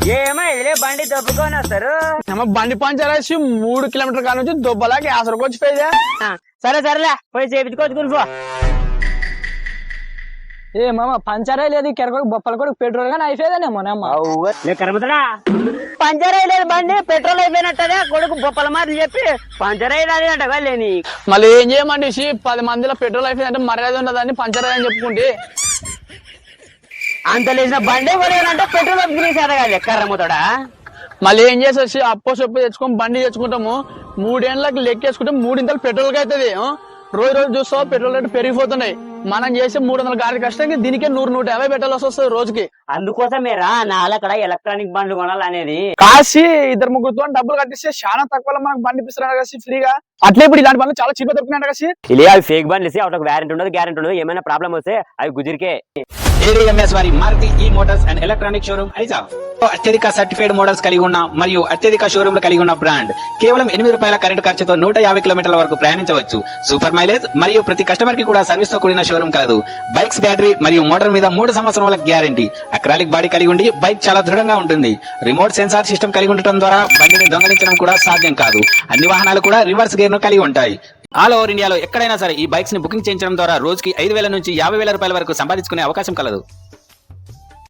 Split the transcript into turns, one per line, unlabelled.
ఏమైందిలే బండి దొబ్బుకొని వస్తారు.
బండి పంచర్ వేసి 3 కిలోమీటర్ కాడ నుంచి దొబ్బలా గ్యాస్ వచ్చిపోయిందా.
సరే సరేలే పోయి చేపించుకోవచ్చు గురిపో.
ఏ మామ పంచర్ లేదు కెరకొక బొప్పల కూడా పెట్రోల్ గానీ అయిపోయేదానేమో
కరమతడా పంచర్ అయ్యలేదు బండి పెట్రోల్ అయిపోయినట్టనే కొడుకు బొప్పల మాటలు చెప్పి పంచర్ అయ్యలేదు అంటగా లేని.
మళ్ళీ ఏం చేయమండి 10 మందిలో పెట్రోల్ అయిపోయిందంటే మర్యాద ఉండదని పంచర్ అయ్యని చెప్పుకుంటే
అంత లేచిన బండి కొనేయాలంటే పెట్రోల్ అప్పుకునేసేదా కర్రమ్మతోడా.
మళ్ళీ ఏం చేసేసి అప్పో సొప్పు తెచ్చుకొని బండి తెచ్చుకుంటాము 3 ఏళ్ళకి లెక్కేసుకుంటే 3 ఇంతలు పెట్రోల్ కి అవుతుంది. రోజు రోజు చూస్తావు పెట్రోల్ రేటు పెరిగిపోతున్నాయి. మనం చేసే 300 గాడి కష్టంగా దీనికే 100-150 పెట్టాల్సి వస్తుంది రోజుకి.
అందుకోసమేరా నాలక్కడ ఎలక్ట్రానిక్ బండ్లు కొనాలనేది.
కాసి 2-3 డబ్బులు కట్టిస్తే చాలా తక్కువ మనకు బండి ఇప్పిస్తున్నారు కదా ఫ్రీగా. అట్లే ఇప్పుడు ఇలాంటి బండ్లు చాలా చీప్ దొరుకుతున్నాయి కదా.
ఇలా అవి ఫేక్ బండ్లు ఇస్తే ఒక వ్యారంటీ ఉండదు గ్యారంటీ ఉండదు. ఏమైనా ప్రాబ్లం వస్తే అవి గుజిరికే.
ADMS వారి మారుతి ఈ మోటార్స్ అండ్ ఎలక్ట్రానిక్ షోరూమ్ ఐజాబ్ అత్యధిక సర్టిఫైడ్ మోడల్స్ కలిగి ఉన్న మరియు అత్యధిక షోరూమ్లు కలిగి ఉన్న బ్రాండ్. కేవలం ₹8 కరెంట్ ఖర్చుతో 150 కిలోమీటర్ల వరకు ప్రయాణించవచ్చు. సూపర్ మైలేజ్ మరియు ప్రతి కస్టమర్ కి కూడా సర్వీస్ తో కూడిన షోరూమ్ కలదు. బైక్స్ బ్యాటరీ మరియు మోటార్ మీద 3 సంవత్సరాల గ్యారంటీ. అక్రాలిక్ బాడీ కలిగి ఉండి బైక్ చాలా దృఢంగా ఉంటుంది. రిమోట్ సెన్సార్ సిస్టమ్ కలిగి ఉండటం ద్వారా బండిని దొంగలించడం కూడా సాధ్యం కాదు. అన్ని వాహనాలు కూడా రివర్స్ గేర్ ను కలిగి ఉంటాయి. ఆల్ ఓవర్ ఇండియాలో ఎక్కడైనా సరే ఈ బైక్స్ ని బుకింగ్ చేయించడం ద్వారా రోజుకి ₹5,000 నుంచి ₹50,000 వరకు సంపాదించుకునే అవకాశం కలదు.